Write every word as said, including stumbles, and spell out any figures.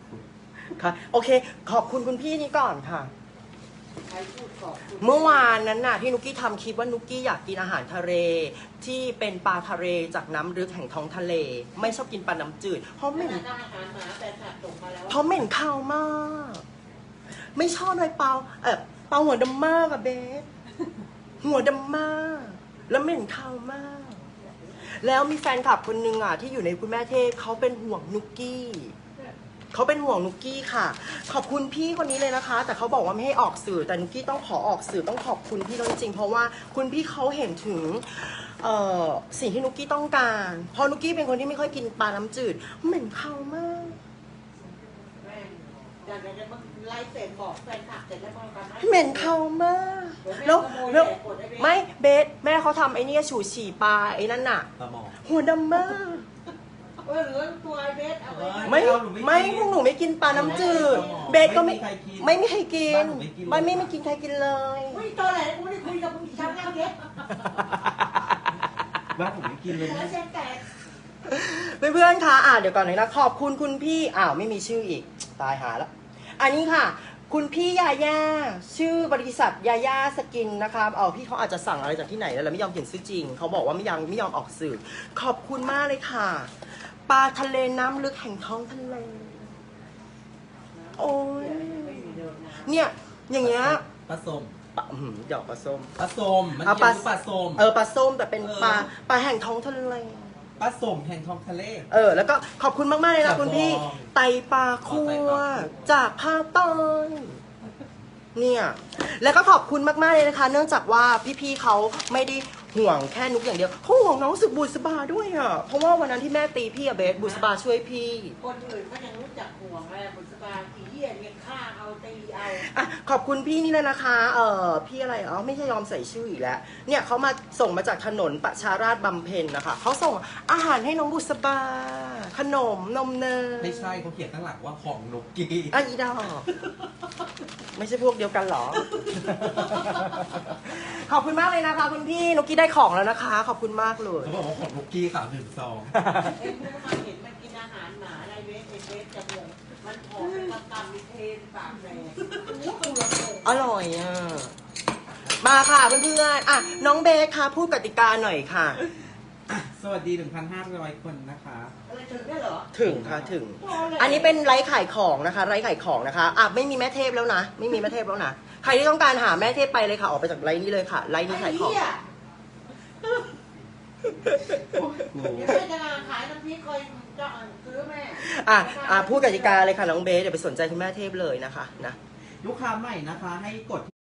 ค่ะโอเคขอบคุณคุณพี่นี้ก่อนค่ะใครพูดขอบคุณเมื่อวานนั้นน่ะที่นุกกี้ทำคลิปว่านุกกี้อยากกินอาหารทะเลที่เป็นปลาทะเลจากน้ำลึกแห่งท้องทะเล ไม่ชอบกินปลาน้ำจืดเพราะเหม็นอาหารหมาแต่สัตว์ส่งมาแล้วเพราะเหม็นข้าวมาก ไม่ชอบเลยเปาเออเปาหัวดำมากอะเบสหัวดำมากแล้วเหม็นข้าวมาก แล้วมีแฟนคลับคนนึงอ่ะที่อยู่ในคุณแม่เทพเขาเป็นห่วงนุกกี้เขาเป็นห่วงนุกกี้ค่ะ ขอบคุณพี่คนนี้เลยนะคะ แต่เขาบอกว่าไม่ให้ออกสื่อแต่นุกกี้ต้องขอออกสื่อต้องขอบคุณพี่จริงๆเพราะว่าคุณพี่เขาเห็นถึงเอ่อสิ่งที่นุกกี้ต้องการเพราะนุกกี้เป็นคนที่ไม่ค่อยกินปลาน้ำจืดเหม็นข้าวมากแม่อยากจะมาไล่เสร็จบอกแฟนคลับเสร็จแล้วมาทำให้เหม็นข้าวมาก แล้วแล้วไม่เบสแม่เขาทำไอ้นี่ฉูฉี่ปลาไอ้นั่นน่ะปลาหมอหัวดำมากเออเหลือตัวไอเบสเอาไว้ไม่ไม่พวกหนูไม่กินปลาน้ำจืดเบสก็ไม่ไม่มีใครกินไม่ไม่ไม่กินใครกินเลยอุ้ยตอนไหนกูไม่ได้คุยกับมึงอีกครั้งแล้วเบสบ้านผมไม่กินเลยแล้วนะเส้นแตกเพื่อนๆคะอ่าเดี๋ยวก่อนเลยนะขอบคุณคุณพี่อ้าวไม่มีชื่ออีกตายหาแล้วอันนี้ค่ะ คุณพี่ยาย่าชื่อบริษัทยาย่าสกินนะคะเอาพี่เขาอาจจะสั่งอะไรจากที่ไหนแล้วไม่ยอมเขียนชื่อจริงเขาบอกว่าไม่ยังไม่ยอมออกสื่อขอบคุณมากเลยค่ะปลาทะเลน้ำลึกแห่งท้องทะเลโอ้ยเนี่ยอย่างเงี้ยปลาส้มปลาอื้อหือหยอกปลาส้มปลาส้มมันเอาเกี่ยวปลากับปลาส้มเออปลาส้มแต่เป็นเออปลาปลาแห่งท้องทะเลปลาส้มแห่งท้องทะเลเออแล้วก็ขอบคุณมากๆเลยนะจากคุณพี่บองไตปลาคั่อ๋อไตวปลาคั่วจากภาคใต้เนี่ยแล้วก็ขอบคุณมากๆเลยนะคะ เนื่องจากว่าพี่ๆเขาไม่ได้ห่วงแค่นุกอย่างเดียวเขาห่วงน้องสึกบุษบาด้วยอ่ะเพราะว่าวันนั้นที่แม่ตีพี่อะเบสบุษบาช่วยพี่คนอื่นก็ยังรู้จักห่วงอะไรบุษบาขี้เหี้ยเนี่ยฆ่าเอาตีเอาอ่ะขอบคุณพี่นี่เลยนะคะ เออพี่อะไรอ๋อไม่ใช่ยอมใส่ชื่ออีกแล้ว เนี่ยเขามาส่งมาจากถนนประชาราษฎร์บำเพ็ญนะคะเขาส่งอาหารให้น้องบุษบา ขนมนมเนยไม่ใช่เขาเขียนตั้งหลังว่าของนกกี้อ่ะอีดอกไม่ใช่พวกเดียวกันเหรอ ขอบคุณมากเลยนะคะคุณพี่นกกี้ได้ของแล้วนะคะ ขอบคุณมากเลยเขาบอกว่าของนกกี้ค่ะหนึ่งซองเอ็มรู้มาเห็นมันกินอาหารหมาอะไรเบสไอเบสจะเบื่อมันผอมเป็นกำกำมีเทนปากแดงโอ้โหตัวโตอร่อยอ่ะ มาค่ะเพื่อนๆอ่ะน้องเบสค่ะพูดกติกาหน่อยค่ะสวัสดี หนึ่งพันห้าร้อย คนนะคะอะไรถึงได้เหรอถึงค่ะถึง อันนี้เป็นไลฟ์ขายของนะคะไลฟ์ขายของนะคะอ่ะไม่มีแม่เทพแล้วนะ ไม่มีแม่เทพแล้วนะ ใครที่ต้องการหาแม่เทพไปเลยค่ะ ออกไปจากไลฟ์นี้เลยค่ะ ไลฟ์นี้ไอ้ขายของเหี้ยกูเดี๋ยวแม่จะขายน้ำพริกคอยจะซื้อแม่อ่ะอ่ะพูดกติกาเลยค่ะน้องเบสเดี๋ยวไปสนใจคุณแม่เทพเลยนะคะนะลูกค้าใหม่นะคะ ให้กด